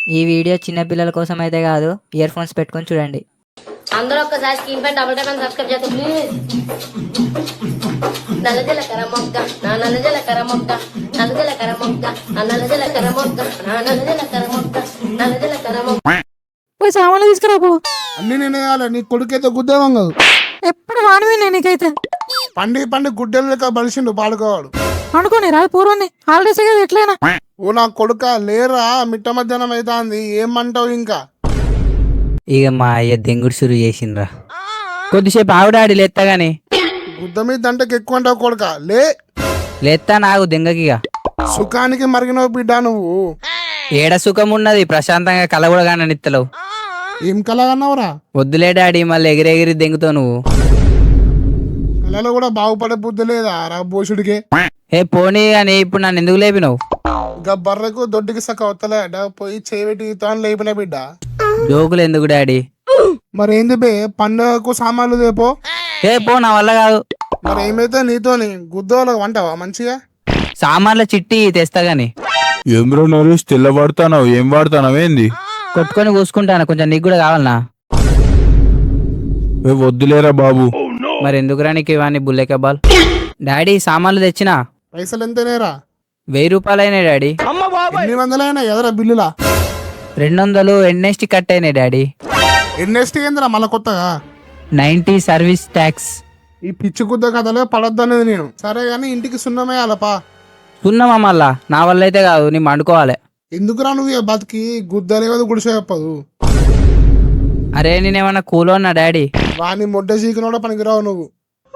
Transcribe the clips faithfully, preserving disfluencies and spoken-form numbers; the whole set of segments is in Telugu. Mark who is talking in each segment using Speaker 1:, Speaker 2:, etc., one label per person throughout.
Speaker 1: ఈ వీడియో చిన్న పిల్లల కోసం అయితే కాదు, ఇయర్ ఫోన్స్ పెట్టుకొని చూడండి.
Speaker 2: అందరూ ఒక్కసారి స్క్రీన్ పై డబుల్ టైప్ సబ్స్క్రైబ్ చేస్తే ప్లీజ్. నల్లజల కర మొక్క నా నల్లజల కర మొక్క నల్లజల కర మొక్క నా నల్లజల కర మొక్క నా నల్లజల కర మొక్క నల్లజల కర మొక్క.
Speaker 3: పోయి సామాన్లు తీసుకురాపో.
Speaker 4: అన్ని నేను వేయాలి, నీ కొడుకైతే గుద్దేవం కాదు.
Speaker 3: ఎప్పుడు వాడివి నీకైతే
Speaker 4: పండి పండి గుడ్డెలు లెక్క బలిసిండు పాడుకోవాడు.
Speaker 3: అనుకోని రా పూర్వని హాలిడేస్ కదా ఎట్లయినా.
Speaker 4: ఓ నా కొడుక లేరా, మిట్ట మధ్యాహ్నం అవుతుంది, ఏమంటావు ఇంకా?
Speaker 1: ఇక మా అయ్య దెంగుడు సురు చేసిండ్రా. కొద్దిసేపు ఆవిడాడి లేత్తా గాని.
Speaker 4: గుద్ద మీద దంటకి ఎక్కువ అంటావు కొడుక, లే.
Speaker 1: లేత్తా నాకు దెంగకిగా.
Speaker 4: సుఖానికి మరిగినవు బిడ్డ నువ్వు.
Speaker 1: ఏడ సుఖం ఉన్నది, ప్రశాంతంగా కల కూడా కానీ నిత్తలేవు.
Speaker 4: ఏం కలగన్నావురా?
Speaker 1: వద్దులే డాడీ, మళ్ళీ ఎగిరెగిరి దెంగుతావు నువ్వు.
Speaker 4: కళలో కూడా బాగుపడే బుద్ధి లేదా రా బోసుడికి?
Speaker 1: ఏ పోనీ అని ఇప్పుడు నన్ను ఎందుకు లేపినావు?
Speaker 4: ఇంకా బర్రెకు దొడ్డికి సక్క వస్తలే పోయి చేపెట్టి తాను లేపిన బిడ్డ.
Speaker 1: జోకులు ఎందుకు డాడీ?
Speaker 4: మరి ఏంది బే, పండుగకు సామాన్లు తేపో.
Speaker 1: ఏ పో, నా వల్ల కాదు.
Speaker 4: మరి ఏమైతే నీతోని గుద్దోలకు వంటావా మంచిగా?
Speaker 1: సామాన్ల చిట్టి తెస్తా గాని.
Speaker 5: ఏం బ్రో నరేష్ తెల్ల వాడుతానావు, ఏం వాడుతానావు ఏంది?
Speaker 1: కొట్టుకొని కూసుకుంటాను, కొంచెం నీకు కూడా కావాలనా?
Speaker 5: ఏ వద్దులేరా బాబు.
Speaker 1: మరి ఎందుకురా నీకు ఇవన్నీ బుల్లె కబాల్? డాడీ సామాన్లు తెచ్చినా.
Speaker 4: పైసలు ఎంతనేరా?
Speaker 1: వెయ్యి రూపాయలైనాయి డాడీ.
Speaker 4: ఎన్ని వందలైనా ఎదరా బిల్లులా?
Speaker 1: రెండు వందలు ఎన్ఎస్టీ కట్ అయినాయి డాడీ.
Speaker 4: ఎన్ఎస్టీ ఏందిరా మళ్ళా కొత్తగా?
Speaker 1: Ninety service tax.
Speaker 4: ఈ పిచ్చి గుద్ద కథలే పడొద్దనేది నేను. సరే గానీ ఇంటికి సున్నమేయాలపా.
Speaker 1: సున్నమా మళ్ళా? నా వల్ల అయితే కాదు, నీ మండుకోవాలి.
Speaker 4: ఎందుకురా నువ్వు ఇక బతికి గుద్దలేవదు గుడిసే చెప్పదు.
Speaker 1: అరే నేనేమన్నా కూలోన్నా డాడీ?
Speaker 4: వాని మొడ్డ చీకినోడ పనికిరావు నువ్వు.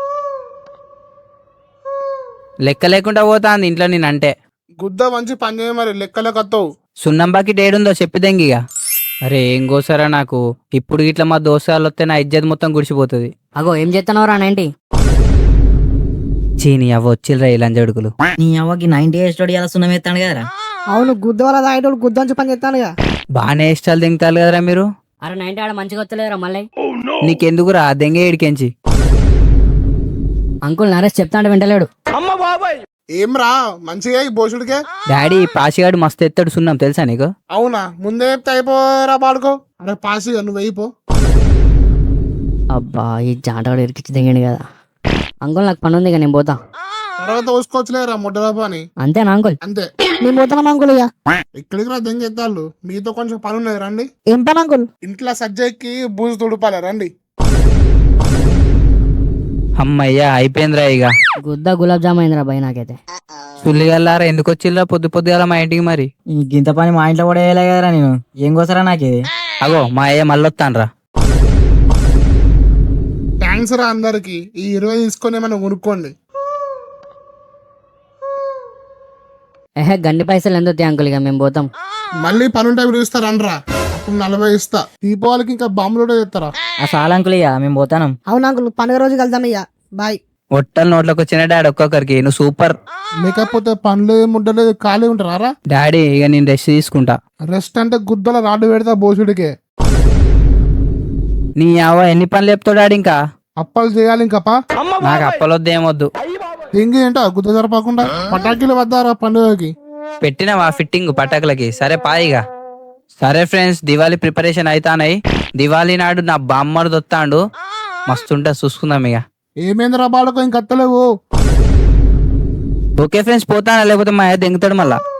Speaker 1: లెక్క లేకుండా పోతాంది ఇంట్లో నేనంటే.
Speaker 4: గుద్ద మంచి పని చేయ మరి, లెక్కలకత్తవు.
Speaker 1: సున్నం బాకి ఏడుందో చెప్పిదెంగిగా. అరే ఏం కోసారా నాకు? ఇప్పుడు ఇట్లా మా దోసాలు వస్తే నా ఇజ్జత్ మొత్తం గుడిచిపోతుంది.
Speaker 2: అగో ఏం చేస్తున్నావురా నైన్టీ?
Speaker 1: చీని అవ్వ వచ్చిల్రా ఈ లంజడుకులు.
Speaker 6: నీ అవ్వకి నైన్టీ ఇయర్స్ తోటి ఎలా సున్నం ఎత్తాను కదరా.
Speaker 3: అవును, గుద్ద వల్ల తాగేటోడు గుద్దంచు పని చేస్తానుగా.
Speaker 1: బాగానే ఇష్టాలు దింగుతారు కదరా మీరు.
Speaker 2: అరే నైన్టీ ఆడ మంచిగా వచ్చలేదురా మళ్ళీ.
Speaker 1: నీకెందుకురా దెంగ ఏడికెంచి?
Speaker 2: అంకుల్ నరేష్ చెప్తా అంటే వింటలేడు.
Speaker 4: ఏం రా మంచిగా ఈ బోసుడికే?
Speaker 1: డాడీ పాసిగాడు మస్తు ఎత్తాడు సున్నం, తెలుసా నీకు?
Speaker 4: అవునా, ముందే చెప్తే అయిపోరా పాడుకో. అరే పాసిగా నువ్వు అయిపో.
Speaker 2: అబ్బా ఈ జాంటగాడు ఇరికిచ్చి దిగండి కదా. అంకుల్ నాకు పని ఉంది, నేను పోతా.
Speaker 4: తర్వాత ఊసుకోవచ్చులేరా ముడ్డల పని.
Speaker 2: అంతేనా అంకుల్?
Speaker 4: అంతే.
Speaker 3: నేను పోతాను అంకుల్. ఇక
Speaker 4: ఇక్కడికి రా దెంగ ఎత్తాళ్ళు, మీతో కొంచెం పని ఉన్నది రండి.
Speaker 3: ఏం పని అంకుల్?
Speaker 4: ఇంట్లో సజ్జకి బూజు తుడుపాలి రండి.
Speaker 1: అమ్మయ్యా అయిపోయిందిరా ఇక.
Speaker 2: గుద్ద గులాబ్ జామ్ అయిందిరా భయ్ నాకైతే.
Speaker 1: సుల్లిగల్లారా ఎందుకు వచ్చిల్లా పొద్దు పొద్దుగాల మా ఇంటికి? మరి
Speaker 6: ఇంత పని మా ఇంట్లో కూడా వేయలే కదరా నేను. ఏం కోసరా నాకేది?
Speaker 1: అగో మా అయ్య మళ్ళొత్తాన్రా.
Speaker 4: థ్యాంక్స్ రా అందరికి. ఈ ఇరవై తీసుకొని ఏమైనా కొనుక్కోండి.
Speaker 2: ఏహే గండి పైసలు ఎందుకు అంకుల్, ఇక మేము పోతాం.
Speaker 4: మళ్ళీ పనుంటే పిలుస్తారనరా, అప్పుడు నలభై ఇస్తా. దీపావళికి ఇంకా బాంబులు కూడా తెస్తారా?
Speaker 6: ఆ సాల్ అంకుల్ ఇక మేము పోతాను.
Speaker 3: అవును అంకుల్, పండుగ రోజు కలుద్దాం. ఇక బాయ్.
Speaker 1: ఒట్టలు నోట్లోకి వచ్చిన డాడీ ఒక్కొక్కరికి. నువ్వు సూపర్.
Speaker 4: లేకపోతే పనులు ముడ్డలేదు ఖాళీ ఉంటారా?
Speaker 1: డాడీ ఇక నేను రెస్ట్ తీసుకుంటా.
Speaker 4: రెస్ట్ అంటే గుద్దల రాడ్డు పెడతా బోసుడికే.
Speaker 1: నీ అవ్వ ఎన్ని పనులు చెప్తావు డాడీ? ఇంకా
Speaker 4: అప్పాలు చేయాలి ఇంకపా.
Speaker 1: నాకు అప్పలొద్దు ఏమొద్దు.
Speaker 4: ఇంకే ఏంటో గుద్ద జరపకుండా పటాకీలు వద్దారా పండుగకి?
Speaker 1: పెట్టినవా ఫిట్టింగ్ పటాకులకి? సరే పాయిగా. సరే ఫ్రెండ్స్, దివాళీ ప్రిపరేషన్ అవుతానాయి. దివాళీ నాడు నా బామ్మడు దొత్తాండు, మస్తుంటా చూసుకుందాం ఇక.
Speaker 4: ఏమేంద్రా బాడుకో ఇంకత్తలేవు.
Speaker 1: ఓకే ఫ్రెండ్స్ పోతానా, లేకపోతే మా అయ్య దెంగుతాడు మళ్ళా.